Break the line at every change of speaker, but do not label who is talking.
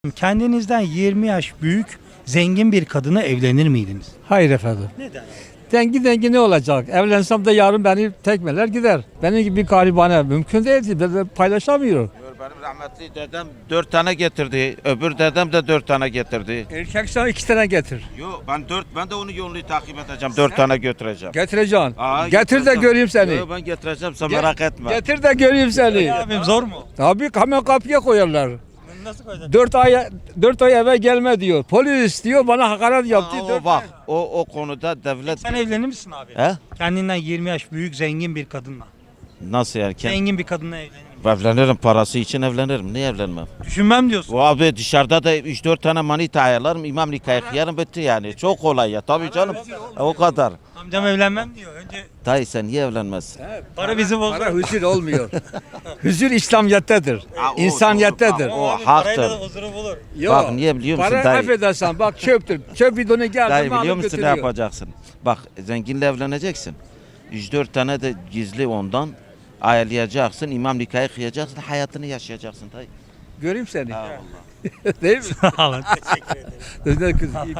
Kendinizden 20 yaş büyük zengin bir kadına evlenir miydiniz?
Hayır efendim.
Neden?
Dengi ne olacak? Evlensem de yarın beni tekmeler gider. Benim gibi bir garibane mümkün değil ki. Ben paylaşamıyorum.
Benim rahmetli dedem 4 tane getirdi. Öbür dedem de 4 tane getirdi.
Erkeksen 2 tane getir.
Yok ben de onu yolunu takip edeceğim. 4 tane götüreceğim.
Getireceksin.
Aa,
Getir de
getireceğim.
göreyim seni.
Yok ben getireceğim sen merak etme.
Getir de göreyim seni.
Abim zor mu?
Tabii hemen kapıya koyarlar.
Nasıl koyacaksın?
4 ay eve gelme diyor. Polis diyor bana hakaret yaptı.
Aa, o bak o konuda devlet
Sen evlenir misin abi?
He?
Kendinden 20 yaş büyük zengin bir kadınla.
nasıl yani?
Zengin bir kadınla evlenir misin?
Evlenirim parası için evlenirim. Niye evlenmem?
Düşünmem diyorsun.
O abi dışarıda da 3-4 tane manita ayarlarım. İmam nikahı kıyarım bitti yani. Çok kolay ya. Tabii canım. O kadar.
Amcam evlenmem diyor. Önce
Dayı sen niye evlenmezsin?
para bizi bozar.
Para huzur olmuyor. Huzur İslamiyettedir.
Ha, o
İnsaniyettedir.
doğru. O
Abi, parayla
haktır.
da huzuru bulur.
Yok.
Bak niye biliyor musun
Para
dayı?
affedersen bak çöptür. Çöp bidonu geldi
Dayı
mi alıp
biliyor musun ne
götürüyor.
yapacaksın? Bak zenginle evleneceksin. 3-4 tane de gizli ondan ayarlayacaksın. İmam nikahı kıyacaksın. Hayatını yaşayacaksın dayı.
Göreyim seni.
Ha,
Değil mi?
Sağ olun. Teşekkür ederim.
Kız-